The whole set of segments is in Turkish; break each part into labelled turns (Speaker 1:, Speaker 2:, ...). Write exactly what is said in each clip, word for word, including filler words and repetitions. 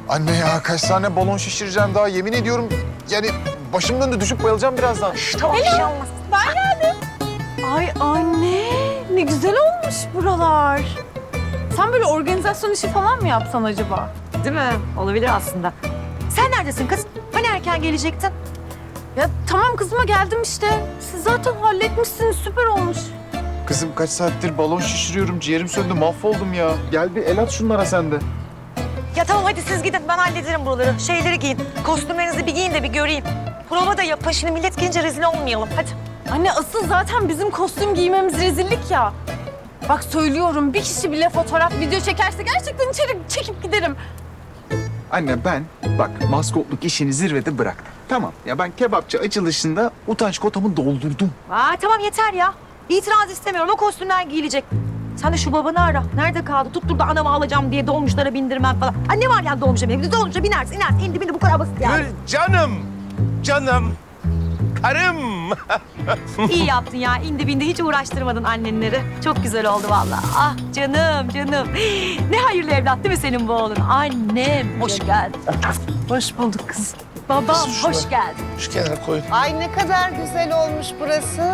Speaker 1: Anne ya kaç tane balon şişireceğim daha yemin ediyorum. Yani başım döndü düşüp bayılacağım birazdan.
Speaker 2: Tamam bir şey olmaz.
Speaker 3: Ben geldim. Ay anne, ne güzel olmuş buralar. Sen böyle organizasyon işi falan mı yapsan acaba?
Speaker 2: Değil mi? Olabilir aslında. Sen neredesin kız? Hani erken gelecektin?
Speaker 3: Ya tamam kızıma geldim işte. Siz zaten halletmişsiniz, süper olmuş.
Speaker 1: Kızım kaç saattir balon şişiriyorum. Ciğerim söndü mahvoldum ya. Gel bir el at şunlara sen de.
Speaker 2: Ya tamam hadi siz gidin ben hallederim buraları. Şeyleri giyin. Kostümlerinizi bir giyin de bir göreyim. Prova da yapın. Şimdi millet gelince rezil olmayalım. Hadi.
Speaker 3: Anne asıl zaten bizim kostüm giymemiz rezillik ya. Bak söylüyorum, bir kişi bile fotoğraf, video çekerse gerçekten içeri çekip giderim.
Speaker 1: Anne ben bak maskotluk işini zirvede bıraktım. Tamam ya ben kebapçı açılışında utanç kotamı doldurdum.
Speaker 2: Aa tamam yeter ya. İtiraz istemiyorum. O kostümler giyilecek. Sen de şu babanı ara. Nerede kaldı? Tuttur da anamı alacağım diye dolmuşlara bindirmem falan. Ha ne var yani dolmuşa bindirmek? Dolmuşa binersin, inersin. İndi bindi bu kadar basit yani.
Speaker 4: Gül canım, canım, karım.
Speaker 2: İyi yaptın ya. İndi bindi hiç uğraştırmadın annenleri. Çok güzel oldu vallahi. Ah canım canım. Ne hayırlı evlat değil mi senin bu oğlun? Annem hoş geldin.
Speaker 3: Hoş bulduk kız.
Speaker 2: Babam hoş geldin.
Speaker 4: Şu kenara koy.
Speaker 5: Ay ne kadar güzel olmuş burası.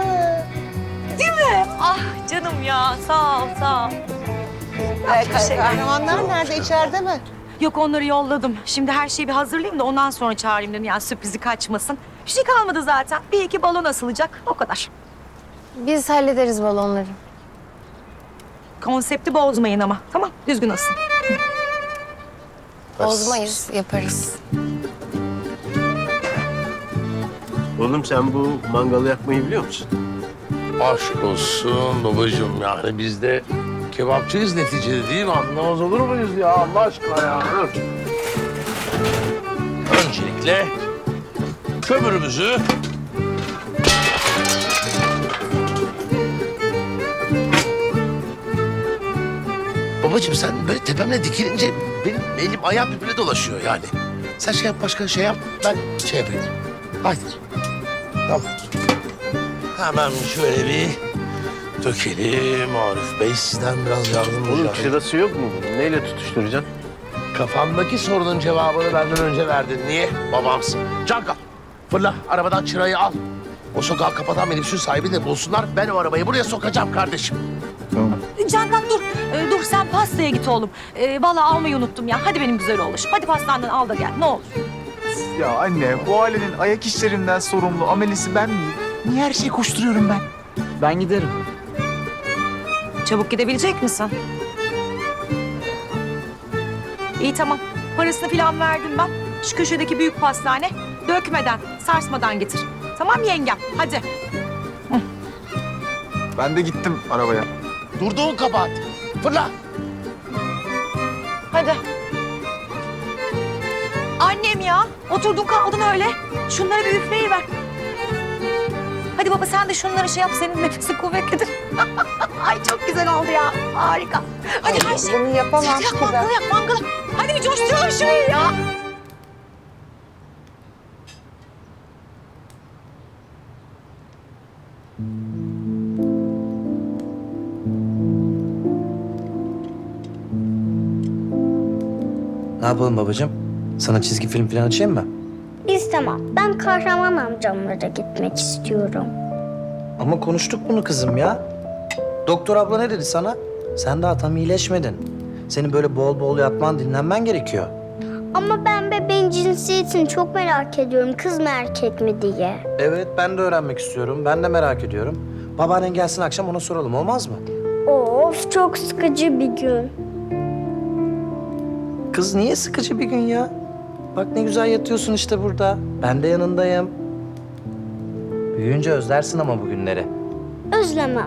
Speaker 2: Ah canım ya sağ ol sağ ol.
Speaker 5: Ee,
Speaker 2: şey-
Speaker 5: kahramanlar nerede? İçeride mi?
Speaker 2: Yok onları yolladım. Şimdi her şeyi bir hazırlayayım da ondan sonra çağırayım dedim. Yani sürprizi kaçmasın. Bir şey kalmadı zaten. Bir iki balon asılacak. O kadar.
Speaker 6: Biz hallederiz balonları.
Speaker 2: Konsepti bozmayın ama. Tamam düzgün asın.
Speaker 6: Bozmayız, yaparız.
Speaker 7: Oğlum sen bu mangalı yakmayı biliyor musun?
Speaker 4: Aşk olsun babacığım yani biz de kebapçıyız neticede değil mi? Anlamaz olur muyuz ya Allah aşkına ya? Dur. Öncelikle kömürümüzü babacığım sen böyle tepemle dikilince benim elim ayağım birbirine dolaşıyor yani. Sen şey yap başka şey yap ben şey yapayım. Haydi. Tamam. Hemen şöyle bir dökelim Arif Bey. Sizden biraz yardım
Speaker 7: Oğlum
Speaker 4: rica edeyim.
Speaker 7: şırası yok mu bunun? Neyle tutuşturacaksın?
Speaker 4: Kafamdaki sorunun cevabını benden önce verdin. Niye? Babamsın. Canka fırla arabadan çırayı al. O sokağı kapatan minibüsün sahibi de bulsunlar. Ben o arabayı buraya sokacağım kardeşim.
Speaker 1: Tamam.
Speaker 2: Candan dur. Ee, dur sen pastaya git oğlum. Ee, vallahi almayı unuttum ya. Hadi benim güzel oğlum. Hadi pastandan al da gel ne olur.
Speaker 1: Ya anne bu ailenin ayak işlerinden sorumlu amelisi ben miyim? Niye her şeyi koşturuyorum ben?
Speaker 8: Ben giderim.
Speaker 2: Çabuk gidebilecek misin? İyi tamam. Parasını falan verdim ben. Şu köşedeki büyük pastane. Dökmeden, sarsmadan getir. Tamam yengem. Hadi.
Speaker 1: Ben de gittim arabaya.
Speaker 4: Durduğun kabahat. Fırla.
Speaker 2: Hadi. Annem ya. Oturdun kaldın öyle. Şunları bir üfleyiver. Hadi baba sen de şunları şey yap. Senin nefesin kuvvetlidir. Ay çok güzel oldu ya. Harika. Hadi her şey.
Speaker 5: Bunu yapamam
Speaker 2: Yak
Speaker 5: ki ben.
Speaker 2: mangalı yak mangalı. Hadi bir coşturalım şurayı ya.
Speaker 8: Ne yapalım babacığım? Sana çizgi film falan açayım mı?
Speaker 9: İstemem. Ben kahraman amcamlara gitmek istiyorum.
Speaker 8: Ama konuştuk bunu kızım ya. Doktor abla ne dedi sana? Sen daha tam iyileşmedin. Senin böyle bol bol yatman, dinlenmen gerekiyor.
Speaker 9: Ama ben bebeğin cinsiyetini çok merak ediyorum. Kız mı erkek mi diye.
Speaker 8: Evet, ben de öğrenmek istiyorum. Ben de merak ediyorum. Babaannen gelsin akşam ona soralım, olmaz mı?
Speaker 9: Of çok sıkıcı bir gün.
Speaker 8: Kız niye sıkıcı bir gün ya? Bak ne güzel yatıyorsun işte burada. Ben de yanındayım. Büyüyünce özlersin ama bu günleri.
Speaker 9: Özlemem.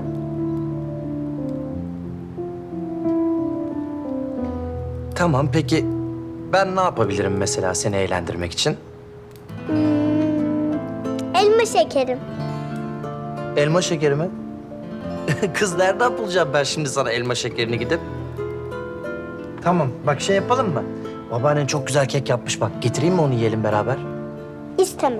Speaker 8: Tamam, peki ben ne yapabilirim mesela seni eğlendirmek için?
Speaker 9: Hmm, elma şekerim.
Speaker 8: Elma şekeri mi? Kız nereden bulacağım ben şimdi sana elma şekerini gidip? Tamam, bak şey yapalım mı? Babaannen çok güzel kek yapmış bak. Getireyim mi onu yiyelim beraber?
Speaker 9: İstemem.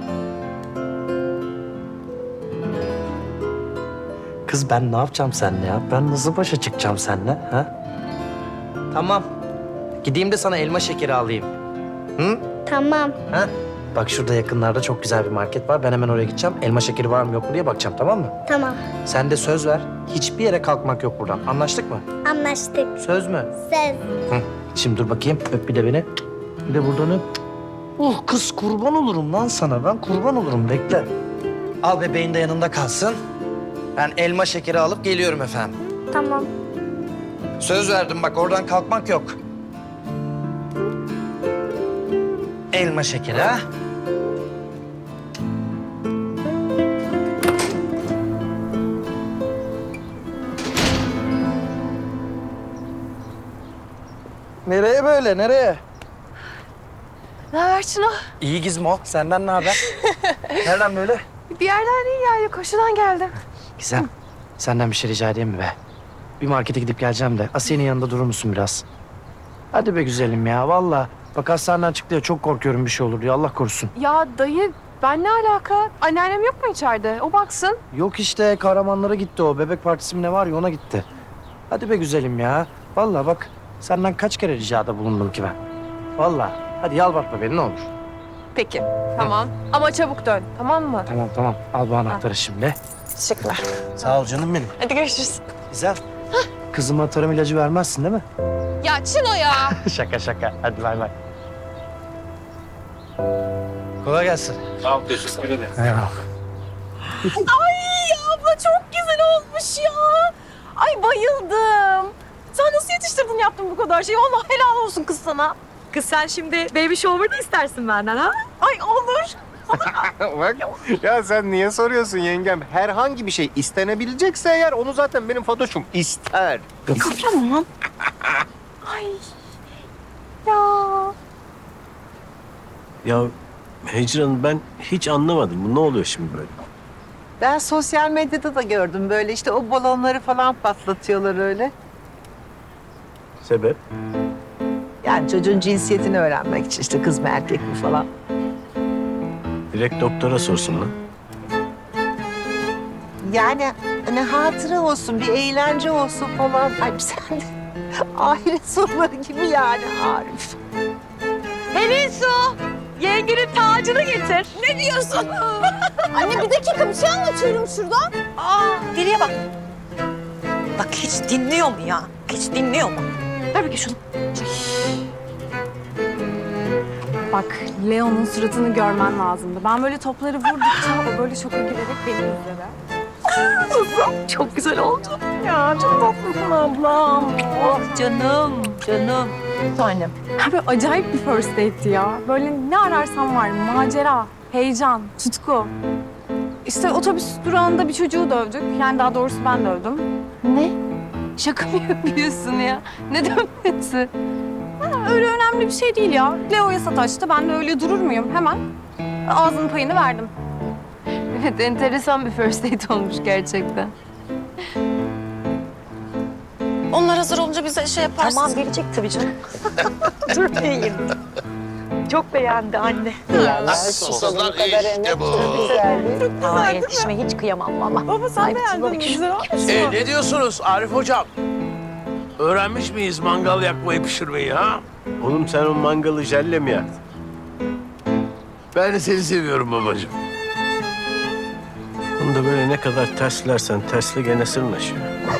Speaker 8: Kız ben ne yapacağım seninle ya? Ben nasıl başa çıkacağım seninle ha? Tamam. Gideyim de sana elma şekeri alayım. Hı?
Speaker 9: Tamam.
Speaker 8: Ha? Bak şurada yakınlarda çok güzel bir market var. Ben hemen oraya gideceğim. Elma şekeri var mı yok mu diye bakacağım, tamam mı?
Speaker 9: Tamam.
Speaker 8: Sen de söz ver. Hiçbir yere kalkmak yok buradan. Anlaştık mı?
Speaker 9: Anlaştık.
Speaker 8: Söz mü?
Speaker 9: Söz.
Speaker 8: Hı. Şimdi dur bakayım. Öp bir de beni. Bir de buradan öp. Uh kız kurban olurum lan sana. Ben kurban olurum. Bekle. Al bebeğin de yanında kalsın. Ben elma şekeri alıp geliyorum efendim.
Speaker 9: Tamam.
Speaker 8: Söz verdim bak, oradan kalkmak yok. Elma şekeri ha. Nereye böyle, nereye?
Speaker 3: Ne haber Çınar?
Speaker 8: İyi Gizmo, senden ne haber? Nereden böyle?
Speaker 3: Bir yerden değil yani, koşudan geldim.
Speaker 8: Gizem, senden bir şey rica edeyim mi be? Bir markete gidip geleceğim de Asiye'nin yanında durur musun biraz? Hadi be güzelim ya, vallahi. Bak hastaneden çıktı ya, çok korkuyorum bir şey olur diye, Allah korusun.
Speaker 3: Ya dayı, ben ne alaka? Anneannem yok mu içeride? O baksın.
Speaker 8: Yok işte, kahramanlara gitti o. Bebek partisi mi ne var ya, ona gitti. Hadi be güzelim ya. Vallahi bak, senden kaç kere ricada bulundum ki ben. Vallahi. Hadi yalvartma beni ne olur.
Speaker 3: Peki, tamam. Ama çabuk dön, tamam mı?
Speaker 8: Tamam tamam, al bu anahtarı şimdi.
Speaker 3: Teşekkürler.
Speaker 8: Sağ ol canım benim.
Speaker 3: Hadi görüşürüz.
Speaker 8: Güzel. Kızıma tarım ilacı vermezsin değil mi?
Speaker 3: Ya Çino ya.
Speaker 8: Şaka şaka. Hadi bay bay. Kolay gelsin.
Speaker 7: Sağ ol, teşekkür ederim.
Speaker 8: Eyvallah.
Speaker 3: Ay abla çok güzel olmuş ya. Ay bayıldım. Sen nasıl yetiştirdin yaptın bu kadar şeyi? Vallahi helal olsun kız sana.
Speaker 2: Kız sen şimdi baby shower da istersin benden ha?
Speaker 3: Ay olur.
Speaker 7: Bak ya sen niye soruyorsun yengem? Herhangi bir şey istenebilecekse eğer onu zaten benim Fatoş'um ister.
Speaker 3: Tamam. Ay. Ya.
Speaker 7: Ya Hicran ben hiç anlamadım. Bu ne oluyor şimdi böyle?
Speaker 5: Ben sosyal medyada da gördüm böyle işte o balonları falan patlatıyorlar öyle.
Speaker 7: Sebep?
Speaker 5: Yani çocuğun cinsiyetini öğrenmek için işte kız mı erkek mi falan.
Speaker 7: Direkt doktora sorsun lan.
Speaker 5: Yani hani hatıra olsun, bir eğlence olsun falan. Ay sen de ahiret soruları gibi yani Arif.
Speaker 2: Pelin Su, yengenin tacını getir. Ne diyorsun?
Speaker 3: Anne bir dakika bir şey anlatıyorum şurada.
Speaker 2: Aa, deliye bak. Bak hiç dinliyor mu ya? Hiç dinliyor mu? Ver bakayım şunu.
Speaker 3: Bak Leo'nun suratını görmen lazımdı. Ben böyle topları vurdukça o böyle şoka girerek beni izledi.
Speaker 2: Çok güzel oldu.
Speaker 3: Ya çok tatlısın ablam.
Speaker 2: Oh canım, canım.
Speaker 3: Annem. Böyle acayip bir first date'ti ya. Böyle ne ararsan var. Macera, heyecan, tutku. İşte otobüs durağında bir çocuğu dövdük. Yani daha doğrusu ben dövdüm. Ne? Şaka mı yapıyorsun ya? Ne dövmesi? Ha, öyle önemli bir şey değil ya. Leo'ya sataştı. Ben de öyle durur muyum? Hemen ağzının payını verdim. Evet, enteresan bir first date olmuş gerçekten. Onlar hazır olunca bize şey yaparsın.
Speaker 2: Tamam gelecek tabii canım. Dur vereyim. Çok beğendi anne.
Speaker 4: Soslar işte bu.
Speaker 2: Aa, yetişime hiç kıyamam valla.
Speaker 3: Baba sen
Speaker 2: Ay,
Speaker 3: beğendin mi?
Speaker 2: bak-
Speaker 3: Güzel olmuş mu?
Speaker 4: E, ne diyorsunuz Arif hocam? Öğrenmiş miyiz mangal yakmayı, pişirmeyi ha?
Speaker 7: Oğlum sen o mangalı jelle mi yaktın?
Speaker 4: Ben de seni seviyorum babacığım.
Speaker 7: Onu da böyle ne kadar terslersen tersle gene sırnaşıyor.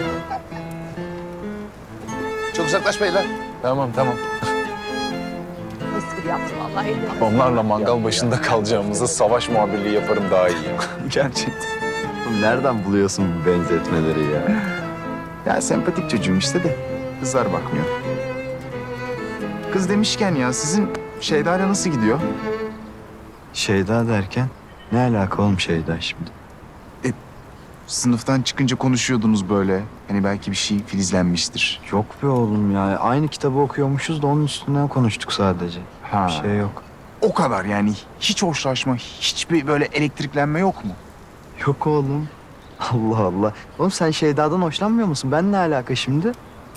Speaker 4: Çok uzaklaşmayın lan.
Speaker 1: Tamam tamam.
Speaker 2: Mis gibi yaptı vallahi.
Speaker 1: Onlarla mangal başında kalacağımıza savaş muhabirliği yaparım daha iyi ya. Gerçekten.
Speaker 10: Nereden buluyorsun bu benzetmeleri ya?
Speaker 1: Ya sempatik çocuğum işte de kızlar bakmıyor. Kız demişken ya sizin Şeyda'yla nasıl gidiyor?
Speaker 10: Şeyda derken ne alaka oğlum Şeyda şimdi?
Speaker 1: Sınıftan çıkınca konuşuyordunuz böyle. Hani belki bir şey filizlenmiştir.
Speaker 10: Yok be oğlum ya. Aynı kitabı okuyormuşuz da onun üstünden konuştuk sadece.
Speaker 1: Ha.
Speaker 10: Bir şey yok.
Speaker 1: O kadar yani hiç hoşlaşma, hiçbir böyle elektriklenme yok mu?
Speaker 10: Yok oğlum. Allah Allah. Oğlum sen Şeyda'dan hoşlanmıyor musun? Ben ne alaka şimdi?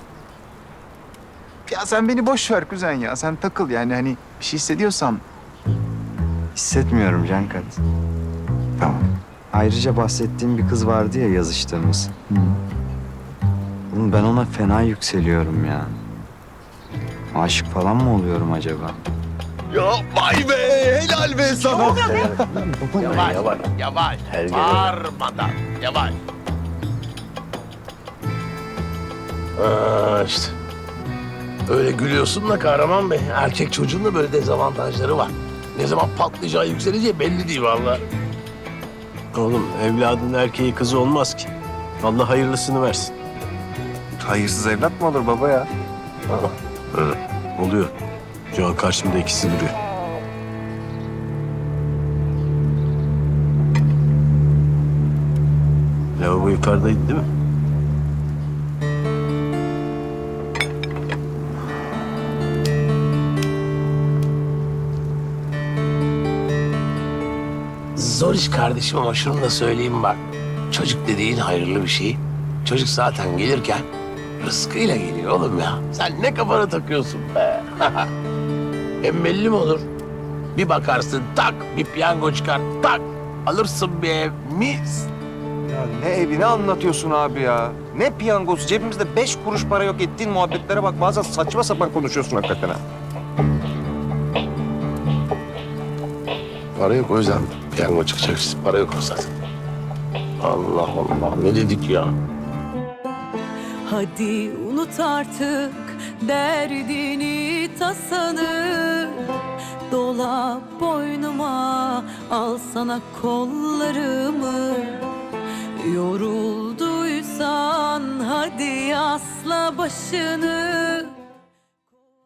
Speaker 1: Ya sen beni boş ver kuzen ya. Sen takıl yani hani bir şey hissediyorsan.
Speaker 10: Hissetmiyorum Cankat.
Speaker 1: Tamam.
Speaker 10: Ayrıca bahsettiğim bir kız vardı ya yazıştığımız. Oğlum ben ona fena yükseliyorum ya. Aşık falan mı oluyorum acaba?
Speaker 4: Ya vay be, helal be sana.
Speaker 2: Ne oluyor be?
Speaker 4: Yavaş, yavaş, yavaş. Bağırmadan, yavaş. Aa, işte. Öyle gülüyorsun da Kahraman Bey. Erkek çocuğun da böyle dezavantajları var. Ne zaman patlayacağı, yükseleceği belli değil vallahi.
Speaker 7: Oğlum evladın erkeği kızı olmaz ki. Allah hayırlısını versin.
Speaker 1: Hayırsız evlat mı olur baba ya?
Speaker 7: Oluyor. Şu an karşımda ikisi duruyor. Lavabo yukarıdaydı değil mi?
Speaker 4: Zor iş kardeşim ama şunu da söyleyeyim bak. Çocuk dediğin hayırlı bir şey. Çocuk zaten gelirken rızkıyla geliyor oğlum ya. Sen ne kafana takıyorsun be? Hem belli mi olur? Bir bakarsın tak bir piyango çıkar tak alırsın bir ev mis.
Speaker 11: Ya ne evi ne anlatıyorsun abi ya? Ne piyangosu? Cebimizde beş kuruş para yok, ettiğin muhabbetlere bak. Bazen saçma sapan konuşuyorsun hakikaten ha.
Speaker 4: Para yok o yüzden piyango çıkacak işte. Para yok o zaten. Allah Allah ne dedik ya?
Speaker 12: Hadi unut artık derdini tasanı. Dola boynuma al sana kollarımı. Yorulduysan hadi asla başını.